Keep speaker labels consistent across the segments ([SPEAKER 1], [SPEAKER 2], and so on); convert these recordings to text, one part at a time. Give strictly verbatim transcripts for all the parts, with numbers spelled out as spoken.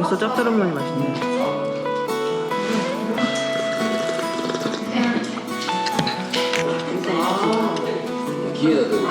[SPEAKER 1] 벌써 짭짤한 맛있네.
[SPEAKER 2] 기회다 되고.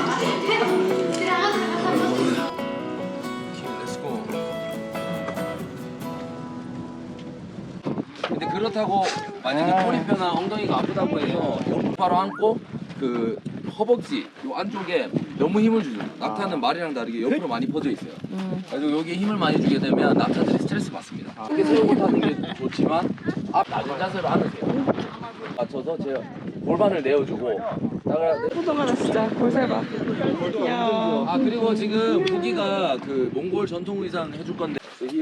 [SPEAKER 2] 근데 그렇다고 만약에 꼬리뼈나 엉덩이가 아프다고 해서 무릎 바로 안고 그 허벅지 요 안쪽에 너무 힘을 주죠. 낙타는 말이랑 다르게 옆으로 많이 퍼져 있어요. 그래서 여기에 힘을 많이 주게 되면 낙타들이 스트레스 받습니다. 이렇게 세우고 타는 게 좋지만 앞 낮은 자세로 앉으세요. 맞춰서 제가 골반을 내어주고
[SPEAKER 1] 호동아 나 진짜 볼살 봐. 귀여워.
[SPEAKER 2] 아 그리고 지금 부기가 그 몽골 전통 의상 해줄 건데.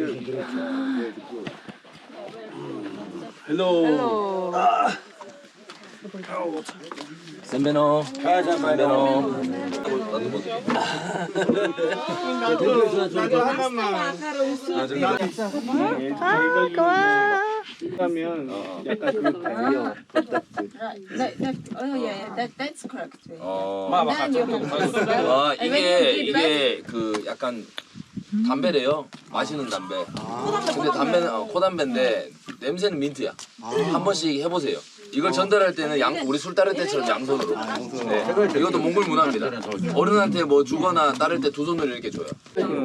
[SPEAKER 2] 헬로.
[SPEAKER 1] 헬로.
[SPEAKER 2] 선배노. 선배노. 나도 뭐.
[SPEAKER 1] 아 고마워.
[SPEAKER 3] 하면 약간 그 달려.
[SPEAKER 4] That, that, oh yeah, that, that's correct. way.
[SPEAKER 2] 어.
[SPEAKER 4] Then you can press that.
[SPEAKER 2] 아
[SPEAKER 4] And when
[SPEAKER 2] 이게
[SPEAKER 4] you did that,
[SPEAKER 2] 이게 그 약간 담배래요. 마시는 담배. 근데 담배는 어, 코담배인데 냄새는 민트야. 한 번씩 해보세요. 이걸 전달할 때는 양 우리 술 따를 때처럼 양손으로. 네. 이것도 몽골 문화입니다. 어른한테 뭐 주거나 따를 때 두 손으로 이렇게 줘요.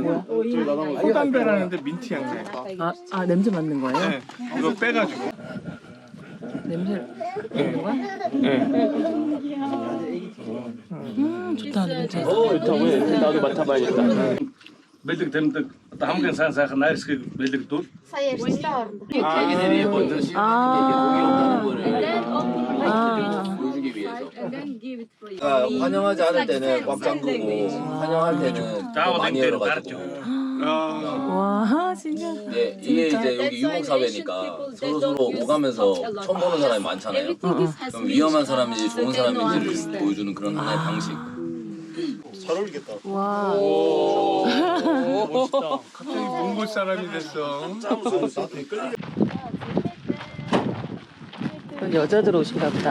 [SPEAKER 3] 소담배라는데 민트 향내.
[SPEAKER 1] 아, 아 냄새 맡는 거예요?
[SPEAKER 3] 네. 이거 빼가지고.
[SPEAKER 1] 냄새 맡는 거야?
[SPEAKER 3] 네.
[SPEAKER 1] 음 좋다 냄새.
[SPEAKER 3] 좋다. 왜? 나도 맡아봐야겠다. Beldig demdik. Hamgen sen sen nairski beldig dur.
[SPEAKER 2] 자기들이 먼저 씌우는 게 독이 없다는 거를
[SPEAKER 1] 아.
[SPEAKER 2] 보여주기 위해서.
[SPEAKER 4] and then give it for you.
[SPEAKER 2] 그러니까 환영하지 않을 때는 꽉 잠그고 환영할 때는 더 많이 열어가지고.
[SPEAKER 1] 와 진짜.
[SPEAKER 2] 네, 이게 이제 여기 유목 사회니까 서로 서로 오가면서 처음 보는 사람이 많잖아요.
[SPEAKER 4] Everything is has
[SPEAKER 2] 그럼 위험한 사람인지 좋은 사람인지를 보여주는 그런 하나의 방식.
[SPEAKER 1] 와.
[SPEAKER 3] 멋있다. 갑자기 몽골 사람이 됐어.
[SPEAKER 1] 여자들 옷인가 보다.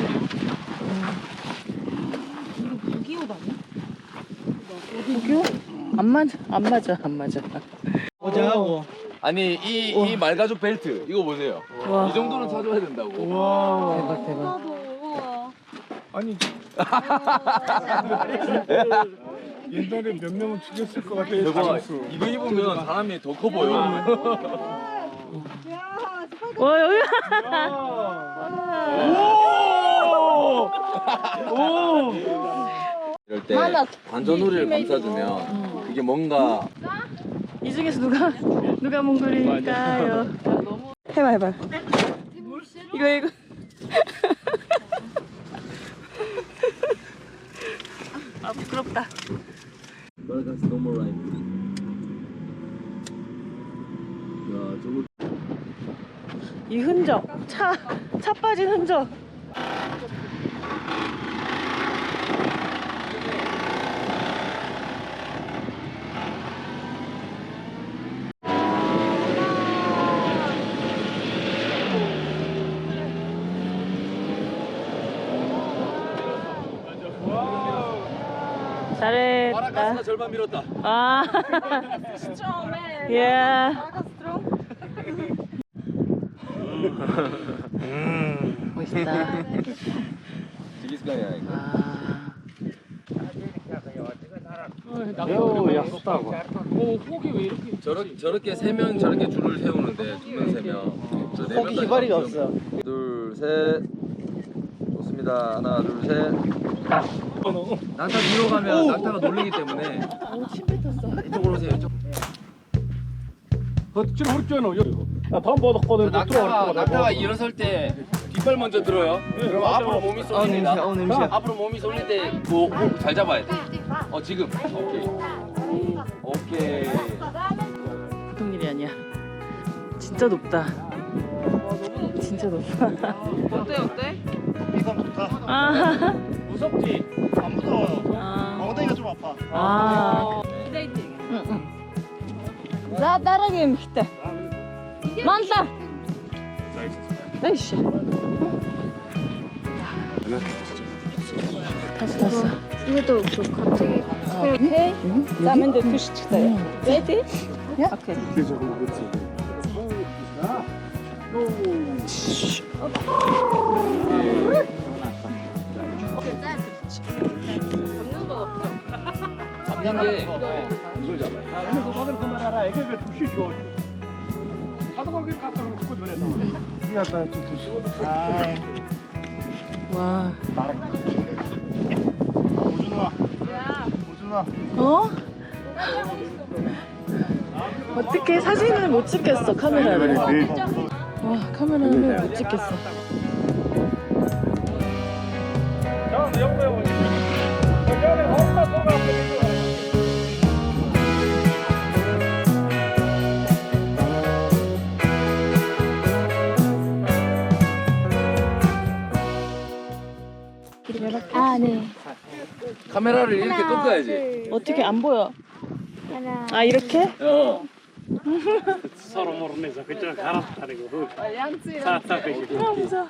[SPEAKER 1] 구기옷 안 맞아, 안 맞아, 안 맞아.
[SPEAKER 3] 어제하고.
[SPEAKER 2] 아니 이 이 말가죽 벨트 이거 보세요.
[SPEAKER 1] 와.
[SPEAKER 2] 이 정도는 사줘야 된다고.
[SPEAKER 3] 와.
[SPEAKER 1] 대박 대박.
[SPEAKER 3] 아니. 옛날에 몇 명은 죽였을 것 같아.
[SPEAKER 2] 대박. 이거 입으면 사람이 더 커 보여.
[SPEAKER 1] 와 여기.
[SPEAKER 3] 오!
[SPEAKER 2] 이럴 때 관자놀이를 감싸주면 그게 뭔가
[SPEAKER 1] 이 중에서 누가 누가 몽골일까요? 해봐 해봐. 이거 이거. 아 부끄럽다.
[SPEAKER 2] 말가스 노멀 라이프. 야 저거.
[SPEAKER 1] 이 흔적, 차, 차 빠진 흔적. 잘했다.
[SPEAKER 2] 마라가스가 절반 밀었다.
[SPEAKER 1] 아. 예.
[SPEAKER 3] 음.
[SPEAKER 1] 멋있다.
[SPEAKER 2] 지기스간이야 이거.
[SPEAKER 1] 아.
[SPEAKER 3] 오, 약속다고.
[SPEAKER 2] 저렇게 저렇게 세 명 저렇게 줄을 세우는데 두 명 세 명. 저 네
[SPEAKER 1] 거기
[SPEAKER 2] 명까지
[SPEAKER 1] 기발이가
[SPEAKER 2] 가면
[SPEAKER 1] 없어.
[SPEAKER 2] 둘 셋. 좋습니다. 하나 둘 셋. 낙타 뒤로 가면 낙타가 놀리기 때문에.
[SPEAKER 1] 침 뱉었어.
[SPEAKER 2] 이쪽으로 오세요. 이쪽.
[SPEAKER 3] 그 지금 우리 쪽에는 여기. 나 다음 보도거든.
[SPEAKER 2] 낙타가 낙타가 일어설 때 뒷발 먼저 들어요. 그럼 앞으로 몸이 쏠립니다.
[SPEAKER 1] 냄새, 어, 냄새.
[SPEAKER 2] 앞으로 몸이 쏠릴 때뭐잘 잡아야 돼. 어 지금. 오케이. 오케이.
[SPEAKER 1] 보통 일이 아니야. 진짜 높다. 진짜 높다.
[SPEAKER 5] 어때 어때?
[SPEAKER 3] 이건 좋다.
[SPEAKER 1] 아.
[SPEAKER 3] 무섭지? 안 무서워요.
[SPEAKER 1] 아.
[SPEAKER 3] 엉덩이가 좀 아파.
[SPEAKER 1] 아. 응, 응. За дорогим хите. Манта. Дальше. 탔어 탔어.
[SPEAKER 4] 이것도 그 갑자기
[SPEAKER 1] 오케이. 자, 먼저 투시 çıktı. Ready? Yeah. Okay.
[SPEAKER 3] 그래서 그렇지.
[SPEAKER 2] 잡는 게 이걸 잡아요.
[SPEAKER 1] 와. 어? 어떻게 사진을 못 찍겠어 카메라를. 와 카메라를 못 찍겠어.
[SPEAKER 5] 아, 네.
[SPEAKER 2] 카메라를 이렇게 꺾어야지.
[SPEAKER 1] 어떻게 안 보여?
[SPEAKER 5] 하나.
[SPEAKER 1] 아 이렇게?
[SPEAKER 2] 어.
[SPEAKER 3] 서로 모르면서 그쪽 갈아타리고 사타고
[SPEAKER 1] 무서워.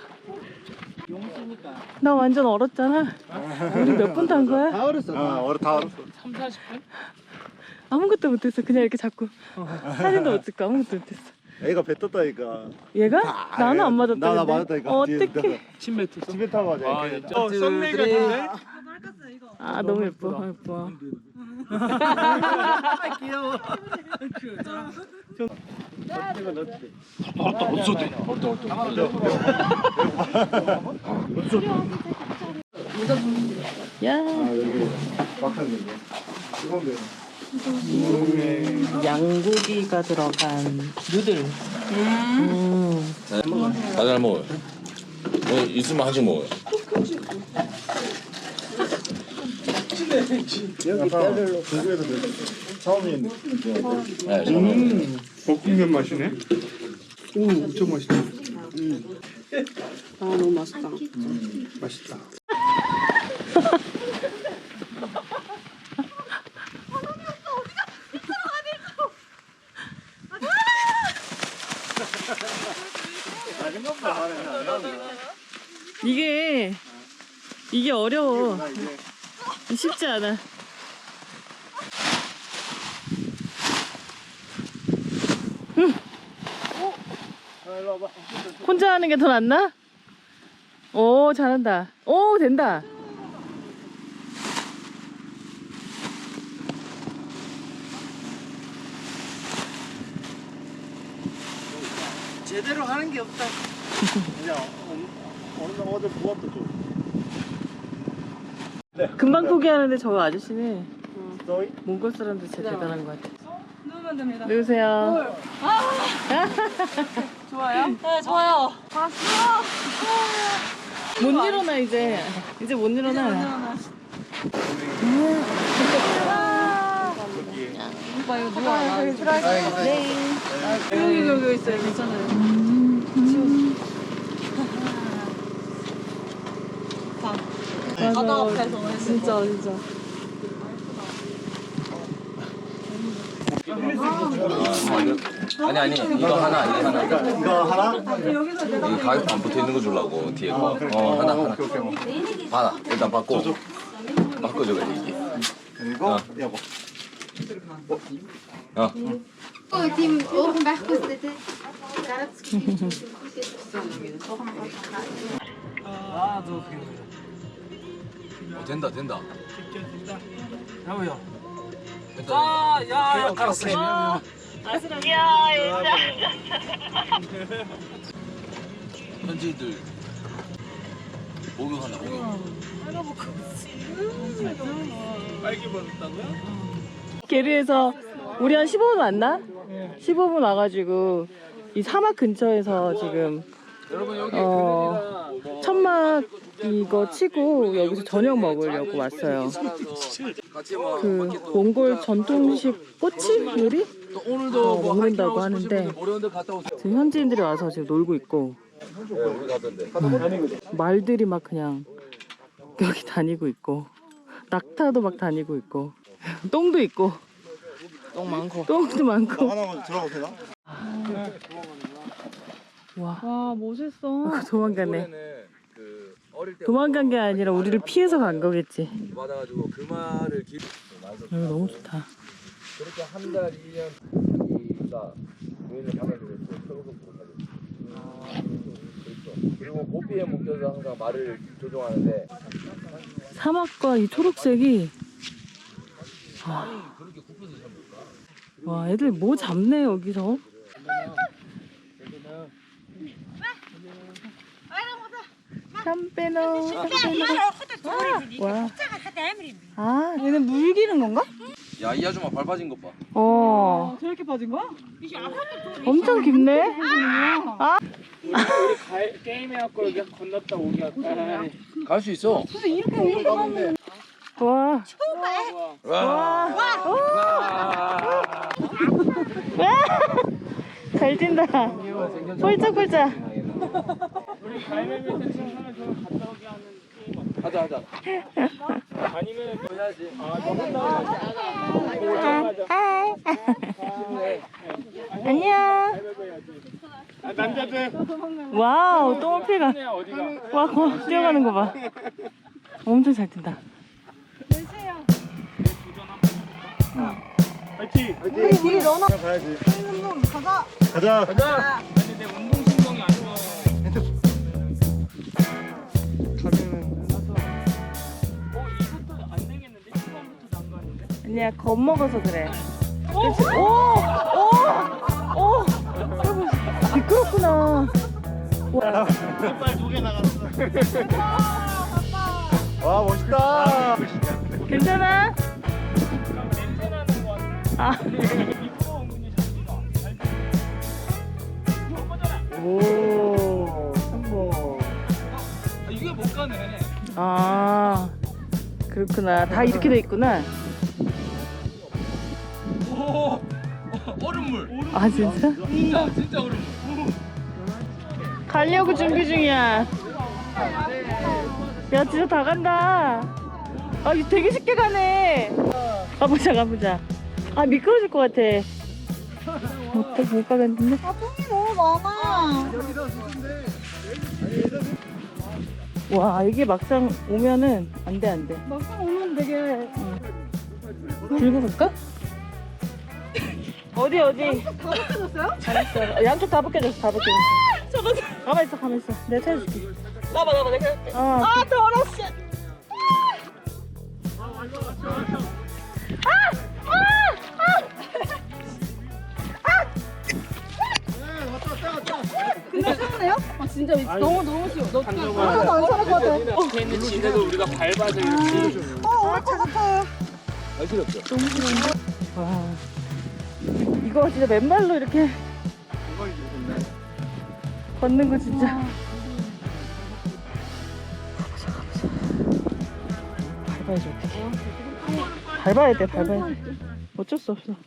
[SPEAKER 1] 나 완전 얼었잖아. 우리 몇 분 탄 거야?
[SPEAKER 6] 다 얼었어. 어, 얼어 다 얼었어.
[SPEAKER 3] 삼, 사십 분?
[SPEAKER 1] 아무것도 못했어. 그냥 이렇게 잡고 사진도 못 찍고 아무것도 못했어.
[SPEAKER 6] 애가 배 떴다니까.
[SPEAKER 1] 얘가? 나는 안 맞았다.
[SPEAKER 6] 나, 나
[SPEAKER 1] 근데.
[SPEAKER 6] 맞았다니까.
[SPEAKER 1] 어떡해.
[SPEAKER 3] 침 뱉었어?
[SPEAKER 6] 집에 타고 가자.
[SPEAKER 3] 아,
[SPEAKER 6] 이렇게.
[SPEAKER 3] 진짜.
[SPEAKER 2] 어, 썸네일 같은데?
[SPEAKER 1] 아 너무 예뻐. 너무 예뻐.
[SPEAKER 6] 귀여워.
[SPEAKER 1] 야.
[SPEAKER 6] 막혔는데. 뜨거운데.
[SPEAKER 1] 양고기가 들어간 누들. 음.
[SPEAKER 2] 다 잘 먹어요. 뭐 있으면 한식 먹어요.
[SPEAKER 6] 여기 뼈를 중국에서 처음인
[SPEAKER 2] 네, 저는
[SPEAKER 7] 볶음면 맛이네. 오, 엄청 맛있다.
[SPEAKER 8] 아 너무 맛있다.
[SPEAKER 7] 맛있다.
[SPEAKER 1] 이게 이게 어려워. 쉽지 않아. 응. 혼자 하는 게 더 낫나? 오 잘한다. 오 된다.
[SPEAKER 6] 제대로 하는 게 없다. 그냥 어느 날 어제 부었다 좀.
[SPEAKER 1] 금방 포기하는데 저 아저씨는
[SPEAKER 6] 너희?
[SPEAKER 1] 몽골 사람들 진짜 대단한 것 같아. 누우면 됩니다. 누우세요.
[SPEAKER 4] 좋아요? 네, 좋아요.
[SPEAKER 1] 못 일어나 이제. 이제 못 일어나.
[SPEAKER 4] 오빠 이거 누워.
[SPEAKER 1] 네.
[SPEAKER 4] 여기 여기 있어요. 괜찮아요. 바다 앞에서 진짜 진짜.
[SPEAKER 2] 아니 아니 이거 하나 이거 하나
[SPEAKER 6] 이거 하나?
[SPEAKER 2] 이 가격 안 붙어 있는 거 주려고 뒤에 거. 어 하나 하나. 하나 일단 받고 바꿔줘야 이게.
[SPEAKER 6] 그리고
[SPEAKER 2] 어.
[SPEAKER 6] 여보.
[SPEAKER 2] 어.
[SPEAKER 5] Oh, Tim, open back was the
[SPEAKER 2] 어, 된다 된다.
[SPEAKER 3] 야우야.
[SPEAKER 2] 된다.
[SPEAKER 3] 아, 야, 야, 알았어.
[SPEAKER 2] 현지인들 목욕한다 목욕.
[SPEAKER 3] 빨개 벗었다고요?
[SPEAKER 1] 게르에서 우리 한 십오 분 왔나? 십오 분 와가지고 이 사막 근처에서 지금
[SPEAKER 2] 여러분 여기
[SPEAKER 1] 어, 천막 이거 치고 여기서 저녁 먹으려고 왔어요.
[SPEAKER 2] 같이 뭐
[SPEAKER 1] 그 몽골 전통식 꼬치 요리?
[SPEAKER 2] 또 오늘도
[SPEAKER 1] 어,
[SPEAKER 2] 뭐
[SPEAKER 1] 먹는다고
[SPEAKER 2] 하이킹 하고 싶으신
[SPEAKER 1] 하는데
[SPEAKER 2] 분들 모레온데 갔다 오세요.
[SPEAKER 1] 지금 현지인들이 와서 지금 놀고 있고
[SPEAKER 2] 네, 우리 가던데.
[SPEAKER 1] 말들이 막 그냥 여기 다니고 있고 낙타도 막 다니고 있고 똥도 있고
[SPEAKER 4] 똥 많고.
[SPEAKER 1] 똥도 많고.
[SPEAKER 6] 하나만 들어가도 되나?
[SPEAKER 1] 와
[SPEAKER 4] 와 멋있어.
[SPEAKER 1] 도망가네.
[SPEAKER 2] 올해는 그 어릴 때
[SPEAKER 1] 도망간 게 아니라 우리를 피해서 간 거겠지.
[SPEAKER 2] 받아가지고 그 말을 기.
[SPEAKER 1] 여기 너무 좋다.
[SPEAKER 2] 그렇게 한 달, 이 년, 이가 교회를 받아들였고, 서로서 못 하겠지. 그리고 모피에 묶여서 항상 말을 조종하는데
[SPEAKER 1] 사막과 이 초록색이 와, 와 애들 뭐 잡네 여기서. 샴페노 샴페노. 와. 아 얘는 물 기는 건가?
[SPEAKER 2] 야 이 아줌마 발 빠진 것 봐.
[SPEAKER 1] 어. 저렇게 빠진 거야? 엄청 깊네. 아.
[SPEAKER 3] 우리 가, 게임해갖고 여기 건넜다 오기 할까?
[SPEAKER 2] 갈 수 있어.
[SPEAKER 1] 와.
[SPEAKER 2] 와.
[SPEAKER 1] 와. 잘 뛴다. 폴짝폴짝.
[SPEAKER 3] 우리 가위바위보 친구는 좀 갔다 오게 하는 게임 어때?
[SPEAKER 2] 하자 하자.
[SPEAKER 3] 아니면 뭐 해야지. 아,
[SPEAKER 1] 안녕.
[SPEAKER 3] 아, 남자들.
[SPEAKER 1] 와우, 똥피가.
[SPEAKER 3] 어디가?
[SPEAKER 1] 와, 거, 뛰어가는 거 봐. 엄청 잘 뛴다.
[SPEAKER 3] 파이팅!
[SPEAKER 6] 우리 우리 러너 가야지. 가자. 가자.
[SPEAKER 3] 가자! 아니 내 운동신경이 안 좋아. 어 이것도 안 되겠는데? 초반부터 난가는데?
[SPEAKER 1] 아니야, 겁먹어서 그래. 그치? 오! 오! 오! 여러분, 미끄럽구나. 와.
[SPEAKER 6] 깃발 두 개 나갔어. 와 멋있다.
[SPEAKER 1] 괜찮아?
[SPEAKER 3] 냄새 나는 거 같아.
[SPEAKER 1] 아.
[SPEAKER 3] 이거 은근히 잘 뛰어. 잘 뛰어. 이거 거잖아.
[SPEAKER 6] 오 성공.
[SPEAKER 3] 아, 이게 못 가네.
[SPEAKER 1] 아, 그렇구나. 다 이렇게 돼 있구나.
[SPEAKER 2] 오 얼음물.
[SPEAKER 1] 아, 진짜?
[SPEAKER 2] 진짜 진짜 얼음물.
[SPEAKER 1] 가려고 준비 중이야. 야, 진짜 다 간다. 아, 이거 되게 쉽게 가네. 가보자, 가보자. 아, 미끄러질 것 같아. 못, 못 가겠는데?
[SPEAKER 4] 아, 똥이 너무 많아.
[SPEAKER 1] 와, 이게 막상 오면은 안 돼, 안 돼.
[SPEAKER 4] 막상 오면 되게.
[SPEAKER 1] 들고 갈까? 어디, 어디?
[SPEAKER 4] 다 벗겨졌어요?
[SPEAKER 1] 잘했어. 양쪽 다 벗겨졌어, 다 벗겨졌어. 저거. 가만 있어, 가만 있어. 내가 찾아줄게.
[SPEAKER 4] 나봐, 나봐, 내가 할게.
[SPEAKER 1] 어.
[SPEAKER 4] 아, 더러워, 씨. 근데 시원해요? 아, 진짜 너무 너무 쉬워. 너 하나도 안 살을 것 같아.
[SPEAKER 3] 걔는 지대도 우리가 밟아서 이렇게.
[SPEAKER 4] 어, 오래 같아요.
[SPEAKER 1] 와. 이거 진짜 맨발로 이렇게 걷는 거 진짜. 가보자, 가보자. 밟아야지, 어떡해. 밟아야 돼, 밟아야 돼. 어쩔 수 없어.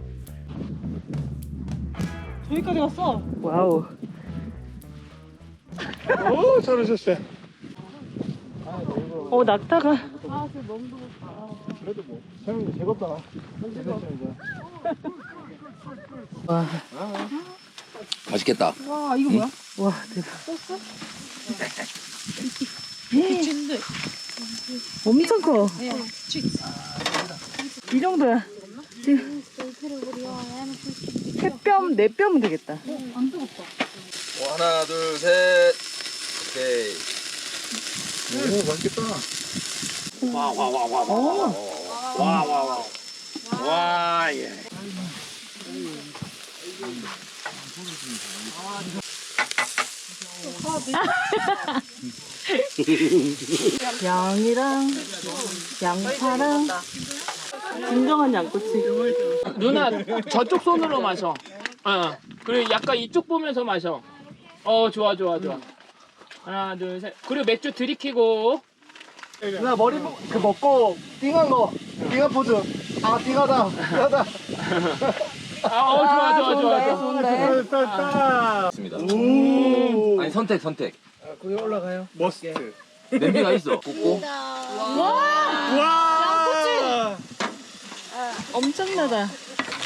[SPEAKER 1] 저기까지 갔어. 와우.
[SPEAKER 6] 오 잘하셨어요.
[SPEAKER 1] 어, 낙타가.
[SPEAKER 6] 그래도 뭐 사장님 즐겁잖아.
[SPEAKER 1] 와,
[SPEAKER 2] 맛있겠다.
[SPEAKER 4] 와, 이거 뭐야?
[SPEAKER 1] 와, 대박.
[SPEAKER 4] 진드.
[SPEAKER 1] 엄청 커. 이 정도야. 지금 세 뼘, 네 뼘은 되겠다.
[SPEAKER 4] 안 뜨겁다.
[SPEAKER 2] 어, 하나 둘 셋. 오케이.
[SPEAKER 6] 오 맛있겠다.
[SPEAKER 3] 와와와와와와와와 와 예.
[SPEAKER 1] 양이랑 양파랑 진정한 양꼬치.
[SPEAKER 3] 누나 저쪽 손으로 마셔. 어. 그리고 약간 이쪽 보면서 마셔. 어 좋아 좋아 좋아. 하나 둘 셋. 그리고 맥주 들이키고.
[SPEAKER 6] 누나 머리 보- 그 먹고 띵한 거. 띵한 포즈. 아 띵하다. 띵하다.
[SPEAKER 3] 아 어, 좋아 좋아 좋아 좋아.
[SPEAKER 1] 좋은데.
[SPEAKER 6] 됐다.
[SPEAKER 2] 있습니다.
[SPEAKER 6] 오.
[SPEAKER 2] 아니 선택 선택.
[SPEAKER 6] 거기 올라가요. 머스트.
[SPEAKER 2] 냄비가 있어. 굽고.
[SPEAKER 6] 와.
[SPEAKER 1] 엄청나다.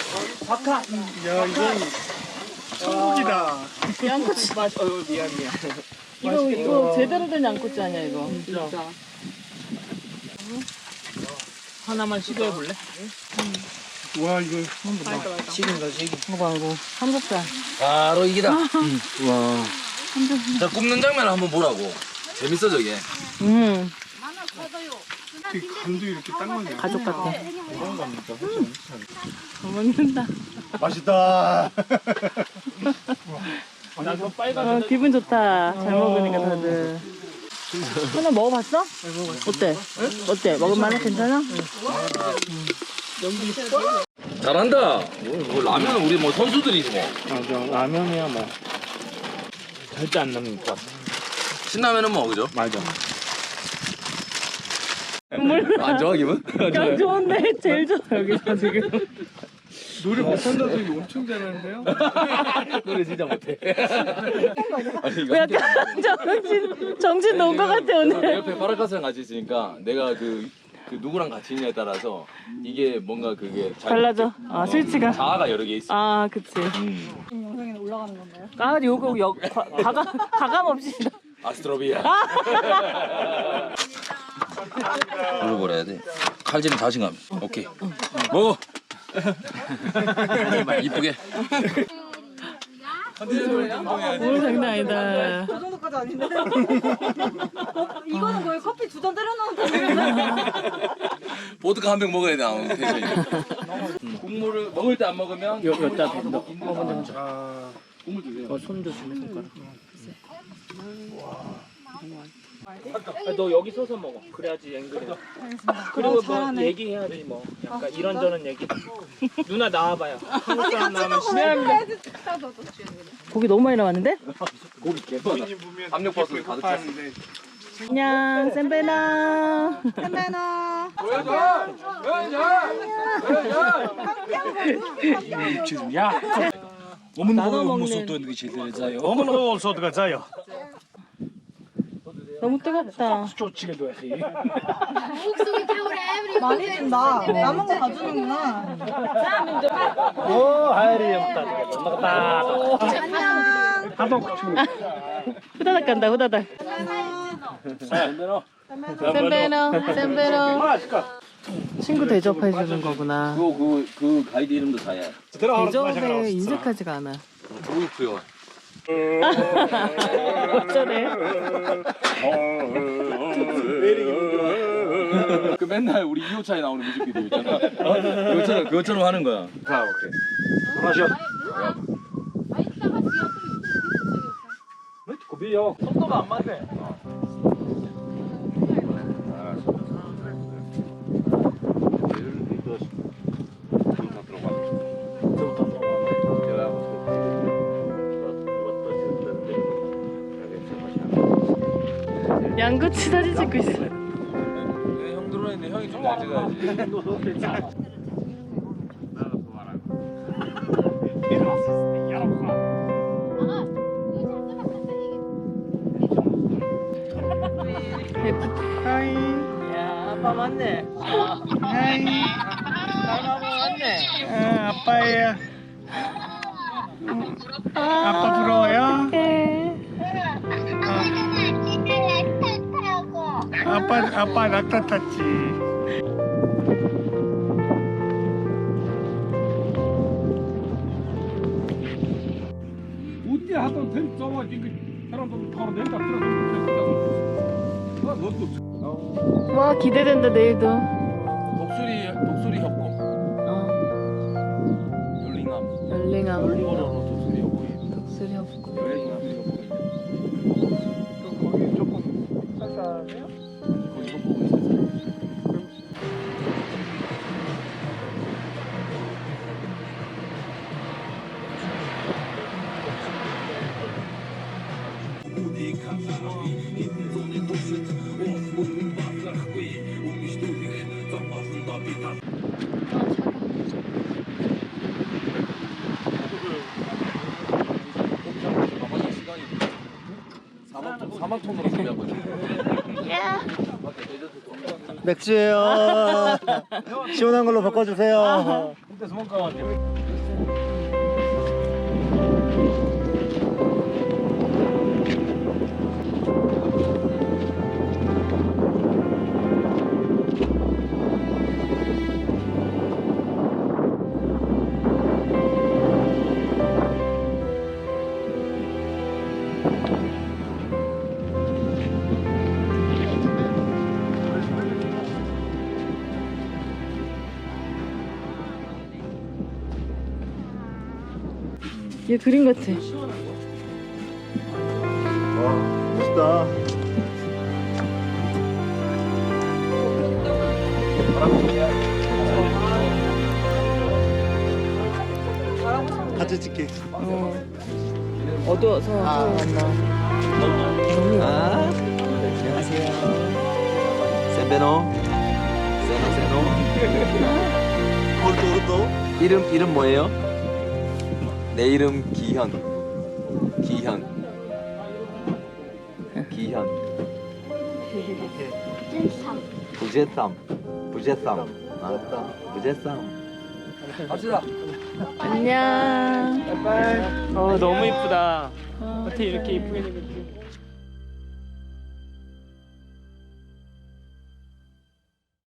[SPEAKER 6] 야 이건 천국이다.
[SPEAKER 1] 양꼬치.
[SPEAKER 3] 맞아. 어 미안 미안.
[SPEAKER 1] 이거 이거 제대로 된 양꼬치 아니야 이거.
[SPEAKER 3] 진짜. 하나만 시도해 볼래?
[SPEAKER 6] 와 이거
[SPEAKER 1] 이거 봐 이거 삼겹살.
[SPEAKER 2] 바로 이기다.
[SPEAKER 6] 와.
[SPEAKER 2] 자, 굽는 장면 한번 보라고. 재밌어 저게.
[SPEAKER 1] 음
[SPEAKER 7] 이렇게 간도 이렇게 딱 맞네.
[SPEAKER 1] 가족 같아. 잘 먹는다.
[SPEAKER 6] 맛있다.
[SPEAKER 3] 나도 빨간.
[SPEAKER 1] 어, 기분 좋다. 잘 먹으니까 다들. 하나 먹어봤어? 어때? 어때? 먹을만해? 괜찮아?
[SPEAKER 2] 잘한다. 뭐, 뭐 라면 우리 뭐 선수들이지 뭐.
[SPEAKER 3] 맞아. 라면이야 뭐. 절대 안 남는 것 같아.
[SPEAKER 2] 신라면은 뭐 그죠?
[SPEAKER 3] 맞아.
[SPEAKER 2] 안 좋아 기분?
[SPEAKER 1] 야, 좋은데? 제일 좋아, 여기서 지금.
[SPEAKER 7] 노래 못한다 소리 엄청 잘하는데요?
[SPEAKER 2] 노래 진짜 못해. 아니 이거
[SPEAKER 1] 왜 약간 정신, 정신 놓은 것 같아,
[SPEAKER 2] 내
[SPEAKER 1] 오늘.
[SPEAKER 2] 옆에 파라카스랑 같이 있으니까 내가 그, 그 누구랑 같이 있냐에 따라서 이게 뭔가 그게 잘-
[SPEAKER 1] 달라져. 아, 스위치가.
[SPEAKER 2] 자아가 여러 개 있어.
[SPEAKER 1] 아, 그치.
[SPEAKER 2] 음.
[SPEAKER 4] 영상에는 올라가는 건가요?
[SPEAKER 1] 아, 요거, 여, 과, 가감, 가감 없이.
[SPEAKER 2] 아스트로비아. 물어버려야 돼. 칼질은 자신감. 오케이. 먹어. 이쁘게.
[SPEAKER 1] 뭘 장난 아니다.
[SPEAKER 4] 그 정도까지 아닌데? 이거는 거의 커피 두 잔 때려놓은 거예요.
[SPEAKER 2] 보드카 한 병 먹어야 돼. 아무 텐션이. 음. 국물을 먹을 때 안 먹으면
[SPEAKER 3] 여, 여기다 넣어. 먹으면 돼.
[SPEAKER 7] 아,
[SPEAKER 2] 국물 드세요.
[SPEAKER 3] 어, 손 조심해, 손가락. 아, 너 여기 서서 먹어. 그래야지 앵글이. 그리고 뭐 얘기해야지 뭐. 약간 이런저런 얘기. 누나 나와봐요. 한국 사람 나오면 신뢰합니다.
[SPEAKER 1] 고기 너무 많이 나왔는데?
[SPEAKER 2] 고기 개뻔하. 압력버스 가득 찼어.
[SPEAKER 7] 하는데
[SPEAKER 1] 안녕, 샌베나.
[SPEAKER 4] 샌베나.
[SPEAKER 3] 야,
[SPEAKER 1] 나눠 먹는.
[SPEAKER 6] 어머나 올서 어디가 자요?
[SPEAKER 1] 너무 뜨겁다.
[SPEAKER 4] 많이 준다. 남은 거 다 주는구나.
[SPEAKER 6] 오 하이리 없다.
[SPEAKER 4] 안녕.
[SPEAKER 1] 후다닥 간다, 후다닥. 샌베너, 샌베너. 친구 대접해주는 거구나.
[SPEAKER 2] 그, 그, 그 가이드 이름도 다야.
[SPEAKER 1] 대접에 인색하지가 않아.
[SPEAKER 2] 그렇고요.
[SPEAKER 1] 어쩌래?
[SPEAKER 2] 그 맨날 우리 이 호차에 나오는 뮤직비디오 있잖아. 그것처럼 그것처럼 하는 거야.
[SPEAKER 6] 아 오케이. 마셔. 고비요. 속도가 안 맞네.
[SPEAKER 1] 양꼬치 사진 찍고 있어.
[SPEAKER 2] 형 들어있는데 형이 좀 잘 찍어야지.
[SPEAKER 1] 하이. 야, 아빠 맞네.
[SPEAKER 6] 하이.
[SPEAKER 1] 아빠 맞네.
[SPEAKER 6] 아, 아빠예요. 아빠 부러워요?
[SPEAKER 1] 네.
[SPEAKER 6] 아빠 아빠 낙타 탔지.
[SPEAKER 7] 어디 하던 텔 써가지고 사람들 바로 내다 들어서
[SPEAKER 1] 와, 기대된다, 내일도.
[SPEAKER 2] 독수리 독수리 협곡.
[SPEAKER 1] 어,
[SPEAKER 2] 열링함.
[SPEAKER 1] 열링함.
[SPEAKER 2] 일본어로 독수리 협곡이.
[SPEAKER 1] 독수리 없고.
[SPEAKER 2] 열링함 협곡이.
[SPEAKER 6] 거기 조금 쌀쌀해요?
[SPEAKER 2] 거기 협곡은 있었어요. 사막 톤으로 준비한 거지.
[SPEAKER 6] 맥주예요. 시원한 걸로 바꿔주세요.
[SPEAKER 1] 얘 그림 같아.
[SPEAKER 6] 와 멋있다. 같이 찍게.
[SPEAKER 1] 어. 어두워서
[SPEAKER 6] 아.
[SPEAKER 1] 안 나.
[SPEAKER 2] 아, 안녕하세요. 세베노. 세노 세노.
[SPEAKER 6] 오른쪽 오른쪽.
[SPEAKER 2] 이름 이름 뭐예요? 내 이름 기현. 기현. 기현. 부제삼. 부제삼. 아, 부제삼. 갑시다.
[SPEAKER 1] 안녕.
[SPEAKER 3] 어 너무 이쁘다. 어떻게 이렇게 이쁘게 생겼지?